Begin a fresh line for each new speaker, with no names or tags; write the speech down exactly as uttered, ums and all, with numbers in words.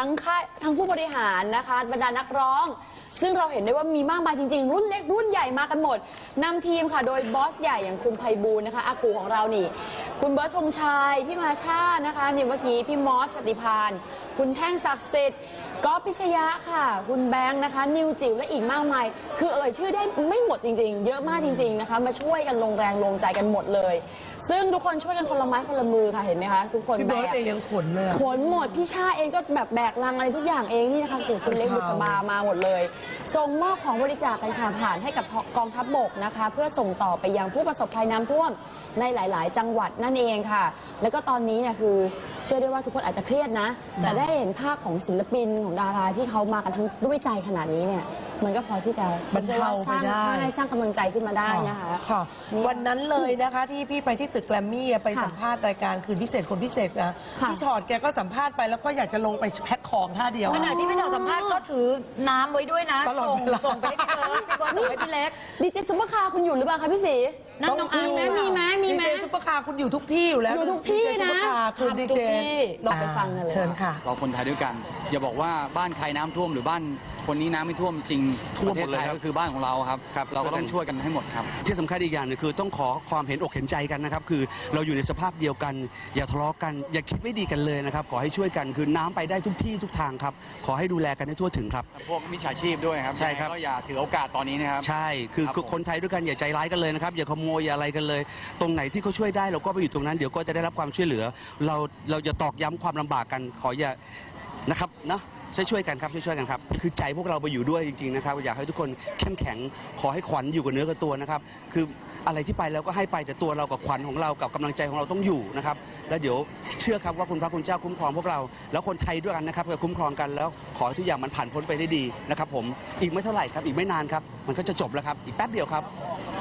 ทั้งค่ายทั้งผู้บริหารนะคะบรรดานักร้องซึ่งเราเห็นได้ว่ามีมากมายจริงๆรุ่นเล็กรุ่นใหญ่มากันหมดนำทีมค่ะโดยบอสใหญ่อย่างคุณไพบูลย์นะคะอากูของเรานี่คุณเบิร์ตธงชัยพี่มาชานะคะนี่เมื่อกี้พี่มอสปฏิพานคุณแท่งศักดิ์สิทธิ์ก๊อฟพิชยะค่ะคุณแบงค์นะคะนิวจิ๋วและอีกมากมายคือเอ่ยชื่อได้ไม่หมดจริงๆเยอะมากจริงๆนะคะมาช่วยกันลงแรงลงใจกันหมดเลยซึ่งทุกคนช่วยกันคนละไม้คนละมือค่ะเห็นไหมคะทุกคน
พี่เบิร์ตเองยังขนเลย
ขนหมดพี่ชาเองก็แบบแบกลังอะไรทุกอย่างเองนี่นะคะคุณเล็กบุษบามาหมดเลยส่งมอบของบริจาคกันค่ะผ่านให้กับกองทัพบกนะคะเพื่อส่งต่อไปยังผู้ประสบภัยน้ำท่วมในหลายๆจังหวัดนั่นเองค่ะแล้วก็ตอนนี้เนี่ยคือเชื่อได้ว่าทุกคนอาจจะเครียดนะแต่ได้เห็นภาพของศิลปินของดาราที่เขามากันทั้งด้วยใจขนาดนี้เนี่ยมันก็พอที่จะ
บรรเทาไปได้
ใช่สร้างกำลังใจขึ้นมาได้นะคะ
ค่ะวันนั้นเลยนะคะที่พี่ไปที่ตึกแกรมมี่ไปสัมภาษณ์รายการคืนพิเศษคนพิเศษนะพี่ชอตแกก็สัมภาษณ์ไปแล้วก็อยากจะลงไปแพ็คของท่าเดียว
ขณะที่พี่ชอตสัมภาษณ์ก็ถือน้ำไว้ด้วยนะส่งส่งไปให้พี่เบิร์ตพี่เบิร์ตส่งให้พี่เล็ก
ดีเจซุปเปอร์คาร์คุณอยู่หรือเปล่าคะพี่ศรี
นั่นน้องอาร์ม
มีไหมมีไหม
ดีเจซุปเปอร์คาร์คุณอยู่ทุกที่อยู่แล้ว
อยู่ทุกที่นะ
คือดีเจ
ลองไปฟังกันเลย
เชิญค่ะ
เราคนไทยด้วยกันอย่าบอกว่าบ้านใครน้ำท่วมหรือบ้านคนนี้น้ำไม่ท่วมจริงประเทศไทยก็คือบ้านของเราครับเราก็ต้องช่วยกันให้หมดครับ
ที่สำคัญอีกอย่างนึงคือต้องขอความเห็นอกเห็นใจกันนะครับคือเราอยู่ในสภาพเดียวกันอย่าทะเลาะกันอย่าคิดไม่ดีกันเลยนะครับขอให้ช่วยกันคือน้ำไปได้ทุกที่ทุกทางครับขอให้ดูแลกันให้ทั่วถึงครับ
พวกมิจฉาชีพด้วยครับ
ใช่ครับ
ก็อย่าถือโอกาสตอนนี้นะครับ
ใช่คือคนไทยด้วยกันอย่าใจร้ายกันเลยนะครับอย่าขโมยอย่าอะไรกันเลยตรงไหนที่เขาช่วยได้เราก็ไปอยู่ตรงนั้นเดี๋ยวก็จะได้รับความช่วยเหลือเราเราจะตอกย้ำความลำบากกันขออย่านะครับนะช่วยช่วยกันครับช่วยช่วยกันครับคือใจพวกเราไปอยู่ด้วยจริงๆนะครับอยากให้ทุกคนเข้มแข็งขอให้ขวัญอยู่กับเนื้อกับตัวนะครับคืออะไรที่ไปแล้วก็ให้ไปแต่ตัวเรากับขวัญของเรากับกำลังใจของเราต้องอยู่นะครับแล้วเดี๋ยวเชื่อครับว่าคุณพระคุณเจ้าคุ้มครองพวกเราแล้วคนไทยด้วยกันนะครับจะคุ้มครองกันแล้วขอให้ทุกอย่างมันผ่านพ้นไปได้ดีนะครับผมอีกไม่เท่าไหร่ครับอีกไม่นานครับมันก็จะจบแล้วครับอีกแป๊บเดียวครับ